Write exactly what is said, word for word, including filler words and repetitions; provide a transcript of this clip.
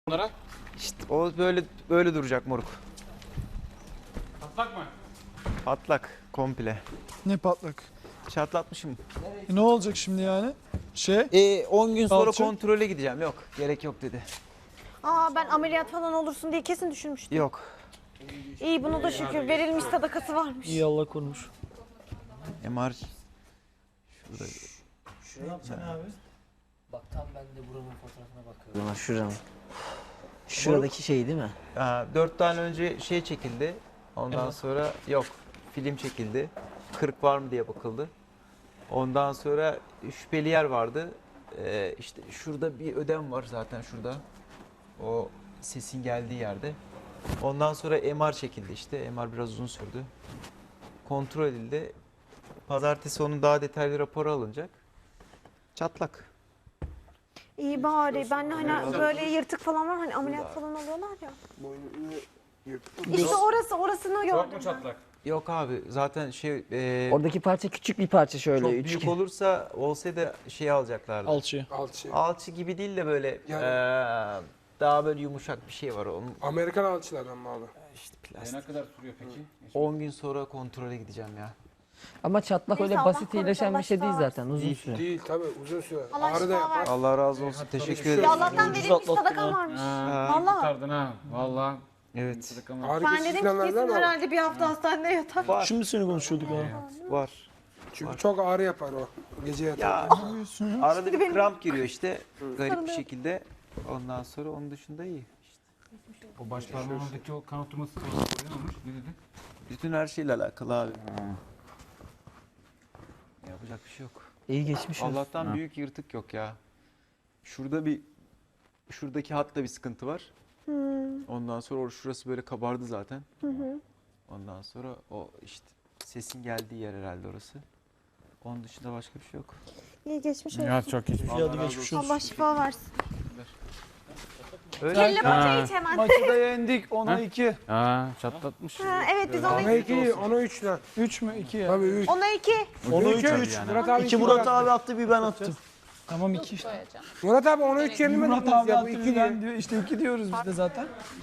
Bunlara? İşte o böyle böyle duracak moruk. Patlak mı? Patlak komple. Ne patlak? Çatlatmışım. E ne olacak şimdi yani? Şey, E on gün sonra Alçı. kontrole gideceğim. Yok, gerek yok dedi. Aa ben ameliyat falan olursun diye kesin düşünmüştüm. Yok. İyi buna da şükür verilmiş sadakası varmış. iyi Allah korumuş. M R şurada. Ne yapacaksın abi? Bak tam ben de buranın fotoğrafına bakıyorum. Şuranın. Şuradaki şey değil mi? Aa, dört tane önce şey çekildi. Ondan sonra yok. Film çekildi. Kırık var mı diye bakıldı. Ondan sonra şüpheli yer vardı. Ee, işte şurada bir ödem var zaten şurada. O sesin geldiği yerde. Ondan sonra M R çekildi işte. M R biraz uzun sürdü. Kontrol edildi. Pazartesi onun daha detaylı raporu alınacak. Çatlak. İyi bari ben de hani böyle yırtık falan var hani ameliyat falan oluyorlar ya. İşte orası orasını Çok mu gördüm ben. çatlak? Yok abi zaten şey e, Oradaki parça küçük bir parça şöyle. çok üçgen. büyük olursa olsaydı şey alacaklardı. Alçı. Alçı. Alçı gibi değil de böyle Yani- eee, daha böyle yumuşak bir şey var onun. Amerikan alçılardan mı abi? İşte E, plastik. ne kadar sürüyor peki? on gün sonra kontrole gideceğim ya. Ama çatlak Neyse, öyle Allah basit korusun, iyileşen Allah bir şey değil şifa zaten. Uzun Değil. süre. Değil tabii uzun süre. Allah Ağrı da şifa yapar. versin. Allah razı olsun. Teşekkür şey- Ya ederim. Allah'tan Ucuz verilmiş atlattın sadakam ha. varmış. Ha, Vallahi. kurtardın ha. Vallahi. Evet. Sadakam var. Ağrı Ben kesici dedim ki falan verdiler kesin mi abi? herhalde bir hafta hastanede yatar. Var. Şimdi seni konuşuyorduk ha. Var. Çünkü çok ağrı yapar o. Gece yatar. Ya arada bir benim- kramp giriyor işte garip bir Sarılıyor. şekilde. Ondan sonra onun dışında iyi. İşte O baş parmağımdaki o kan oturması ne olmuş? Ne dedi? bütün her şeyle alakalı abi. Yapacak bir şey yok. İyi geçmiş olsun. Allah'tan Ha. büyük yırtık yok ya. Şurada bir şuradaki hatta bir sıkıntı var. Ondan sonra or- şurası böyle kabardı zaten. Ondan sonra o işte sesin geldiği yer herhalde orası. Onun dışında başka bir şey yok. İyi geçmiş olsun. Ya çok geçmiş. İyi hadi geçmiş olsun. Allah şifa versin. Öyle. Kelle Ha. paça iç hemen. Maçı da yendik. ona Ha? iki. Ha, çatlatmış. Ha, evet biz ona Ona iki. iki, ona üç lan. üç mü? iki ya. Tabii üç. Ona iki. Ona üç. Üç, üç. yani. Murat abi İki iki Murat attı. abi attı, bir ben attım. Tamam iki işte. Murat abi ona üç yenilmedi Murat mi abi ya? Bu attı, iki bir ben diye. diyor. İşte iki diyoruz biz de zaten.